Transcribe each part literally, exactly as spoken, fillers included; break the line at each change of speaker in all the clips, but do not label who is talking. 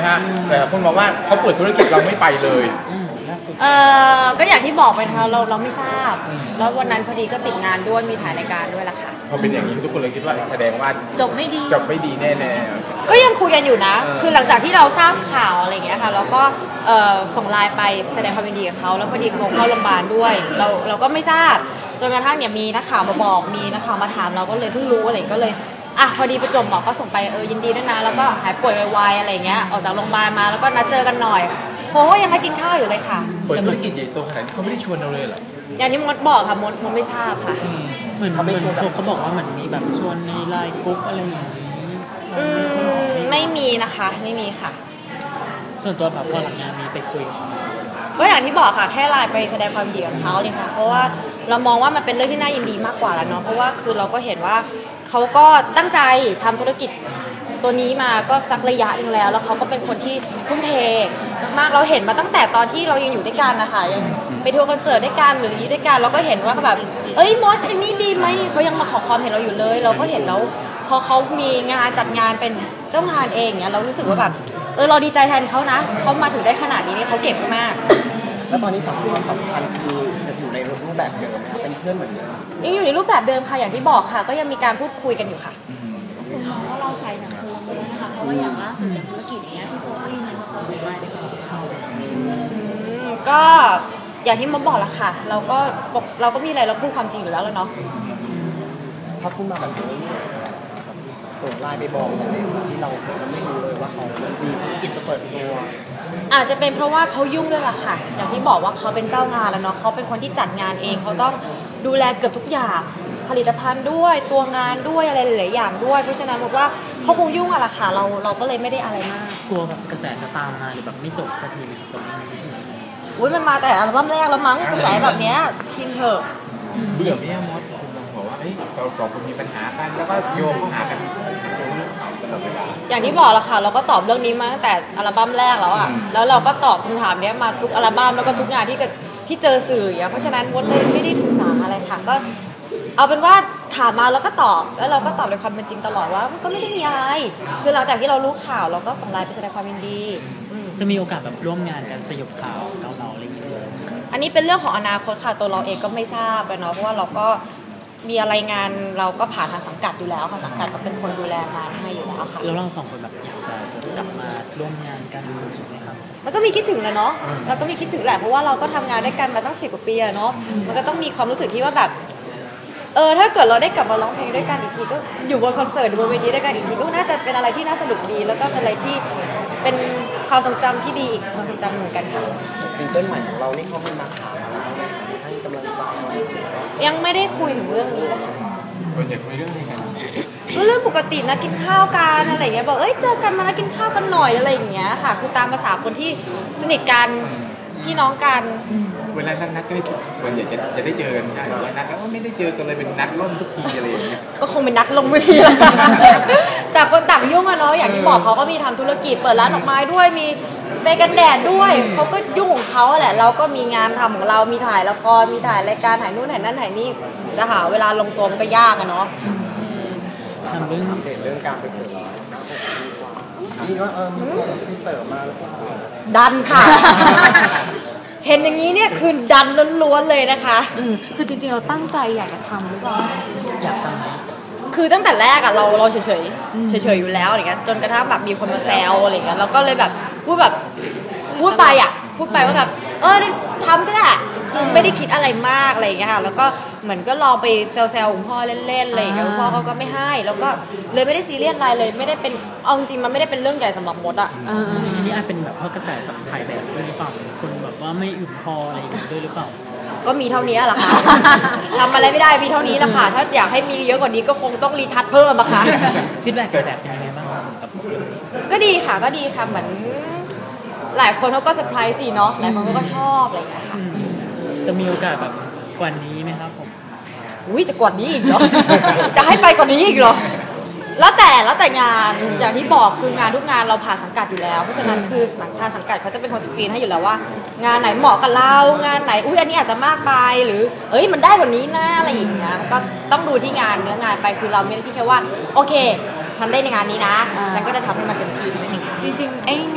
ฮะแต่คนมองว่าเขาเปิดธุรกิจเราไม่ไปเลย
เออก็อย่างที่บอกไปนะคะเราเราไม่ทราบแล้ววันนั้นพอดีก็ปิดงานด้วยมีถ่ายรายการด้วยล่ะค่ะ
พอเป็นอย่างนี้ทุกคนเลยคิดว่าแสดงว่า
จบไม่ดี
จบไม่ดีแน่
ๆก็ยังคุยกันอยู่นะคือหลังจากที่เราทราบข่าวอะไรอย่างเงี้ยค่ะเราก็ส่งไลน์ไปแสดงความยินดีกับเขาแล้วพอดีเขาเข้าโรงพยาบาลด้วยเราเราก็ไม่ทราบจนกระทั่งเนี่ยมีนักข่าวมาบอกมีนักข่าวมาถามเราก็เลยเพิ่งรู้อะไรก็เลยอ่ะพอดีประจวบหมอก็ส่งไปเออยินดีด้วยนะแล้วก็หายป่วยไวๆอะไรเงี้ยออกจากโรงพยาบาลมาแล้วก็นัดเจอกันหน่อยโค้ก็ยังมากินข้าวอยู่เลยค่ะ
เปิดธุรกิจใหญ่โตขนาดนี้เขาไม่ได้ชวนเราเลยเหรอ
อย่างที่มดบอกค่ะมดมดไม่ทราบค่ะ
เหมือนเขาไม่ชวนเขาบอกว่าเหมือนมีแบบชวนในไลน์กรุ๊ปอะไรอย่างนี้
อืมไม่มีนะคะไม่มีค่ะ
ส่วนตัวแบบพอหลังงานมีไปคุย
ก็อย่างที่บอกค่ะแค่ไลน์ไปแสดงความยินดีกับเขาเลยค่ะเพราะว่าเรามองว่ามันเป็นเรื่องที่น่ายินดีมากกว่าแล้วเนาะเพราะว่าคือเราก็เห็นว่าเขาก็ตั้งใจทำธุรกิจตัวนี้มาก็สักระยะนึงแล้วแล้วเขาก็เป็นคนที่ทุ่มเทมากๆเราเห็นมาตั้งแต่ตอนที่เรายังอยู่ด้วยกันนะคะยังไปทัวร์คอนเสิร์ตด้วยกันหรืออย่างนี้ด้วยกันเราก็เห็นว่าแบบเอ้ยมดอันนี้ดีไหมเขายังมาขอความเห็นเราอยู่เลยเราก็เห็นแล้วพอเขามีงานจัดงานเป็นเจ้างานเองเนี่ยเรารู้สึกว่าแบบเออเราดีใจแทนเขานะเขามาถึงได้ขนาดนี้เนี่ยเขาเก่งมาก
แล้วตอนนี้ความสัมพันธ์คืออยู่ในรูปแบบเดิมไหมเป็นเพื่อนเหมือนเดิม
ยังอยู่ในรูปแบบเดิมค่ะอย่างที่บอกค่ะก็ยังมีการพูดคุยกันอยู่ค่ะ
คุณมองว่าเราใช้หนังโครงเลยนะคะเพราะว่าอย่างล่าสุดอย่างธุรกิจอย่างเงี้ยพี่โฟก็ยืนยันว่าเขาส่งไลน์ไปขอเช่า
ก็อย่างที่มดบอกละค่ะเราก็เราก็มีอะไรเราพูดความจริงอยู่แล้วแล้วเนาะ
ถ้าพูดมาแบบนี้ส่งไลน์ไปบอกอะไรที่เราไม่รู้เลยว่าเขาดีธุรกิจจะเปิดตัว
อาจจะเป็นเพราะว่าเขายุ่งด้วยล่ะค่ะอย่างที่บอกว่าเขาเป็นเจ้างานแล้วเนาะเขาเป็นคนที่จัดงานเองเขาต้องดูแลเกือบทุกอย่างผลิตภัณฑ์ด้วยตัวงานด้วยอะไรหลายๆอย่างด้วยเพราะฉะนั้นบอกว่าเขาคงยุ่งอะล่ะค่ะเราเราก็เลยไม่ได้อะไรมาก
กลัวแบบกระแสจะตามมาหรือแบบไม่จบสักทีกับเรื่องนี้
อุ้ยมันมาแต่อัลบั้มแรกแล้วมั้งกระแสแบบเนี้ยชินเถอะ
เบื่อไหมมดคุณบอกว่าเฮ้ยเราสองคนมีปัญหากันแล้วก็โยงเข้าหากัน
อย่างที่บอกละค่ะเราก็ตอบเรื่องนี้มาตั้งแต่อัลบั้มแรกแล้วอ่ะแล้วเราก็ตอบคำถามนี้มาทุกอัลบั้มแล้วก็ทุกงานที่ที่เจอสื่ออย่างเพราะฉะนั้นมดเลยไม่ได้ถือสาอะไรค่ะก็เอาเป็นว่าถามมาแล้วก็ตอบแล้วเราก็ตอบในความเป็นจริงตลอดว่าก็ไม่ได้มีอะไรคือหลังจากที่เรารู้ข่าวเราก็ส่งไลน์ไปแสดงความยินดี
จะมีโอกาสแบบร่วมงานกันสยบข่าวเกาเหลาอะไรอย่างเงี้ย
อันนี้เป็นเรื่องของอนาคตค่ะตัวเราเองก็ไม่ทราบเนาะเพราะว่าเราก็มีอะไรงานเราก็ผ่านทางสังกัดอยู่แล้วค่ะสังกัดก็เป็นคนดูแลงานให้อยู่แล้วค่ะ
แล้วเราสองคนแบบอยากจะจะกลับมาร่วมงานกันไหมครับ
มันก็มีคิดถึงแหละเนาะเราก็มีคิดถึงแหละเพราะว่าเราก็ทำงานด้วยกันมาตั้งสิบกว่าปีอะเนาะมันก็ต้องมีความรู้สึกที่ว่าแบบเออถ้าเกิดเราได้กลับมาร้องเพลงด้วยกันอีกทีก็อยู่บนคอนเสิร์ตบนเวทีด้วยกันอีกทีก็น่าจะเป็นอะไรที่น่าสนุกดีแล้วก็เป็นอะไรที่เป็นความทรงจำที่ดีอีกความทรงจำเหมือนกันค่ะ
ซิงเกิลใหม่ของเรานี่เขาไม่มาถามเราให้กำลังใจ
ยังไม่ได้คุยถึงเรื่องนี้เลย
ส่วนใหญ่คุยเรื่องอะไรกัน
ก็เรื่องปกตินะกินข้าวกันอะไรเงี้ยบอกเอ้ยเจอกันมาแล้วกินข้าวกันหน่อยอะไรอย่างเงี้ยค่ะคือตามภาษาคนที่สนิทกันพี่น้องกัน
เวลานัดนัดก็ได้ส่วนใหญ่จะจะได้เจอกันใช่หรือว่านัดแล้วก็ไม่ได้เจอกันเลยเป็นนัดล่มทุกทีอะไรอย่างเงี้ย
ก็คงเป็นนัดลงเวทีละแต่คนต่างยุ่งอะเนาะอย่างที่บอกเขาก็มีทำธุรกิจเปิดร้านดอกไม้ด้วยมีไปกันแดดด้วยเขาก็ยุ่งของเขาแหละเราก็มีงานทำของเรามีถ่ายละครมีถ่ายรายการถ่ายนู่นถ่ายนั่นถ่ายนี่จะหาเวลาลงตัวมันก็ยากอะเนาะ
ทำเรื่องอัปเดตเรื่องการไปเปิดร้านนี่ก็เออมีเสิร์ฟมาแล้วก็
ดันค่ะเห็นอย่างนี้เนี่ยคือดันล้วนๆเลยนะคะ
คือจริงๆเราตั้งใจอยากจะทำหรือเปล่า
อยากท
ำคือตั้งแต่แรกอะเราเราเฉยๆเฉยๆอยู่แล้วอะไรเงี้ยจนกระทั่งแบบมีคนมาแซวอะไรเงี้ยเราก็เลยแบบพูดแบบพูดไปอะพูดไปว่าแบบเออทำก็ได้คือไม่ได้คิดอะไรมากอะไรเงี้ยค่ะแล้วก็เหมือนก็ลองไปแซวๆคุณพ่อเล่นๆอะไรเงี้ยคุณพ่อเขาก็ไม่ให้แล้วก็เลยไม่ได้ซีเรียสอะไรเลยไม่ได้เป็นเอาจริงมันไม่ได้เป็นเรื่องใหญ่สำหรับมดอะ
นี่อาจเป็นแบบเพราะกระแสจากถ่ายแบบด้วยหรือเปล่าคนแบบว่าไม่อุ่นพออะไรอย่างเงี้ยด้วยหรือเปล่า
ก็มีเท่านี้แหละค่ะทำอะไรไม่ได้มีเท่านี้แหละค่ะถ้าอยากให้มีเยอะกว่านี้ก็คงต้องรีทัชเพิ่มอะค่ะ
ฟีดแบ็กแบบเป็นยังไงบ้างกับเรื่องนี้
ก็ดีค่ะก็ดีค่ะเหมือนหลายคนเขาก็เซอร์ไพรส์สิเนาะหลายคนก็ชอบอะไรอย่างเงี้ยค่ะ
จะมีโอกาสแบบกว่านี้ไหมครับผม
อุ้ยจะกว่านี้อีกเหรอจะให้ไปกว่านี้อีกเหรอแล้วแต่แล้วแต่งานอย่างที่บอกคืองานทุกงานเราผ่านสังกัดอยู่แล้วเพราะฉะนั้นคือทางสังกัดเขาจะเป็นคนสกรีนให้อยู่แล้วว่างานไหนเหมาะกับเรางานไหนอุ้ยอันนี้อาจจะมากไปหรือเอ้ยมันได้กว่านี้นะอะไรอย่างเงี้ยก็ต้องดูที่งานเนื้องานไปคือเราไม่ได้ที่แค่ว่าโอเคฉันได้ในงานนี้นะฉันก็จะทำให้มันเต็มที่
จริงๆไอ้งาน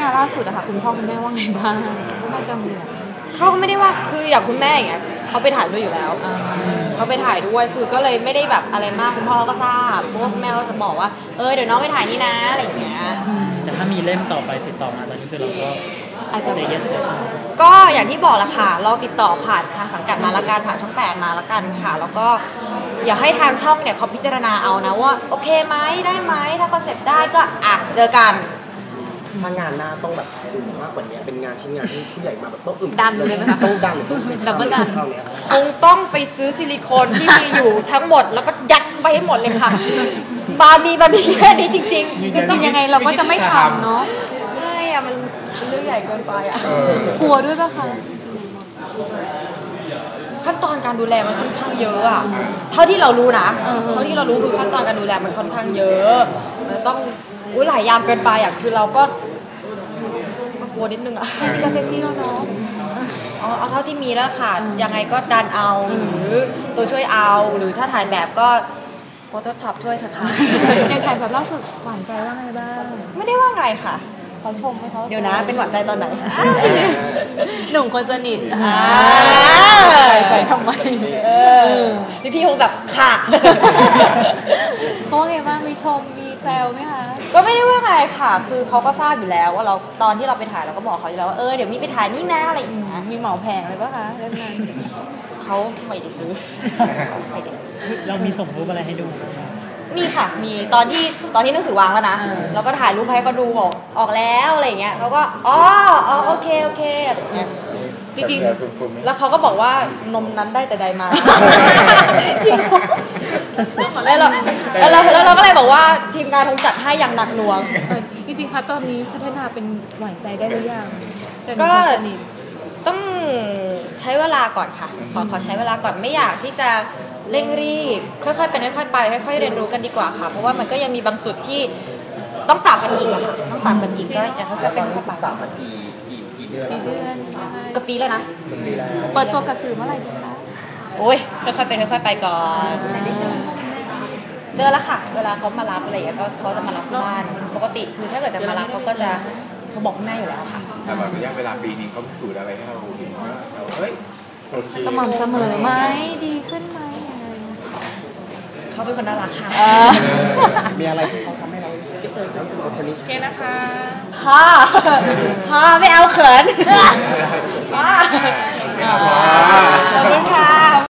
คะล่าสุดอะค่ะคุณพ่อคุณแม่ว่าไงบ้างคุณแม่จะห่วง
เขาก็ไม่ได้ว่าคืออย่างคุณแม่อย่างเงี้ยเขาไปถ่ายด้วยอยู่แล้วเขาไปถ่ายด้วยคือก็เลยไม่ได้แบบอะไรมากคุณพ่อก็ทราบเพราะว่าคุณแม่ก็จะบอกว่าเออเดี๋ยวน้องไปถ่ายนี่นะอะไรอย่างเงี้ย
แต่ถ้ามีเล่มต่อไปติดต่อมาตอนนี้คือเราก็
อาจจะ
เซเยสเลยใช่ไหม
ก็อย่างที่บอกแหละค่ะเราติดต่อผ่านทางสังกัดมาละกันผ่านช่องแปดมาละกันค่ะแล้วก็อย่าให้ทางช่องเนี่ยเขาพิจารณาเอานะว่าโอเคไหมได้ไหมถ้าคอนเซ็ปต์ได้ก็อ่ะเจอกัน
ถ้างานหน้าต้องแบบอึมมากกว่านี้เป็นงานชิ้นงานที่ผู้ใหญ่มาแบบต้องอึม
ดันเลยไหมคะ
ต้องดันต้องเป็น
ดับเบิลดัน
เท่านี้ครับ
คงต้องไปซื้อซิลิโคนที่มีอยู่ทั้งหมดแล้วก็ยัดไปให้หมดเลยค่ะบามีบามีแค่นี้จริง
จริงๆยังไงเราก็จะไม่ทำเนาะ
ๆไม่อะมันเป็นเรื่องใหญ่เกินไปอะ
กลัวด้วยป่ะคะ
ขั้นตอนการดูแลมันค่อนข้างเยอะอะเท่าที่เรารู้นะเท่าที่เรารู้คือขั้นตอนการดูแลมันค่อนข้างเยอะมันต้องอุ้ยหลายยามเกินไปอะคือเราก็ก็กลัวนิดนึงอะ
แค่นี้ก็เซ็กซี่แล้วเนาะ
เอาเอาเท่าที่มีแล้วค่ะยังไงก็ดันเอาหรือตัวช่วยเอาหรือถ้าถ่ายแบบก็ Photoshop ช่วยเถอะค่ะ
อย่างถ่ายแบบล่าสุดหวานใจว่าไงบ้าง
ไม่ได้ว่าไงค่ะ
เขาชมไหมเขา
เดี๋ยวนะเป็นหวานใจตอนไหน
หนุ่มคนสนิท
อ่า
ใส่ใส่ทำไม
เออพี่พี่คงแบบค่ะ
เขาว่าไงบ้างมีชมมีแซวไหมคะ
ก็ไม่ได้ว่าไงค่ะ คือเขาก็ทราบอยู่แล้วว่าเราตอนที่เราไปถ่ายเราก็บอกเขาอยู่แล้วว่าเออเดี๋ยวมีไปถ่ายนี่นะอะไรอย่างเงี้ย
มีเหมาแผงเลยป่ะคะเล่มนั้น
เขาไม่ได้ซื้อไม่ได้ซื้อ
เรามีส่งรูปอะไรให้ดู
มีค่ะมีตอนที่ตอนที่หนังสือวางแล้วนะเราก็ถ่ายรูปให้เขาดูบอกออกแล้วอะไรอย่างเงี้ยเขาก็อ๋ออ๋อโอเคโอเคอะไรอย่างเงี้ยจริงๆแล้วเขาก็บอกว่านมนั้นได้แต่ใดมาแล้วเราแล้วเราแล้วเราก็เลยบอกว่าทีมงานคงจัดให้อย่างหนักหน่วง
จริงๆคะตอนนี้พัฒนาเป็นหวานใจได้หรือยังเป็น
ก็
คนสนิท
ต้องใช้เวลาก่อนค่ะขอขอใช้เวลาก่อนไม่อยากที่จะเร่งรีบค่อยๆเป็นค่อยๆไปค่อยๆเรียนรู้กันดีกว่าค่ะเพราะว่ามันก็ยังมีบางจุดที่ต้องปรับกันอีกอะค่ะต้องปรับกันอีกก็อยากค่อยๆเป็นค่อยๆไป
สามนาทีกี่กี่เดือน
เดือนยังไง
ก็ปีแล้วนะ
ปีแล้ว
เปิดตัวกระสือเมื่อไหร่ดีคะ
โอ้ยค่อยๆเป็นค่อยๆไปก่อนเจอแล้วค่ะ เวลาเขามารับอะไรอย่างเงี้ยก็เขาจะมารับที่บ้านปกติคือถ้าเกิดจะมารับเขาก็จะเขาบอกคุณแม่อยู่แล้วค่ะ
แต่แบบระยะเวลาปีนึงเขาพิสูจน์อะไรให้เราเห็นว่าเราเฮ้ยโอเค
สม่ำเสมอไหมดีขึ้นไหมยังไง
เขาเป็นคนน่ารักค่ะ
มีอะไรที่เขาทำให้เรารู้สึกเออรู้สึกว่าคนนี้ใช่
ฮ่าฮ่าไม่เอาเขินฮ่าขอบคุณค่ะ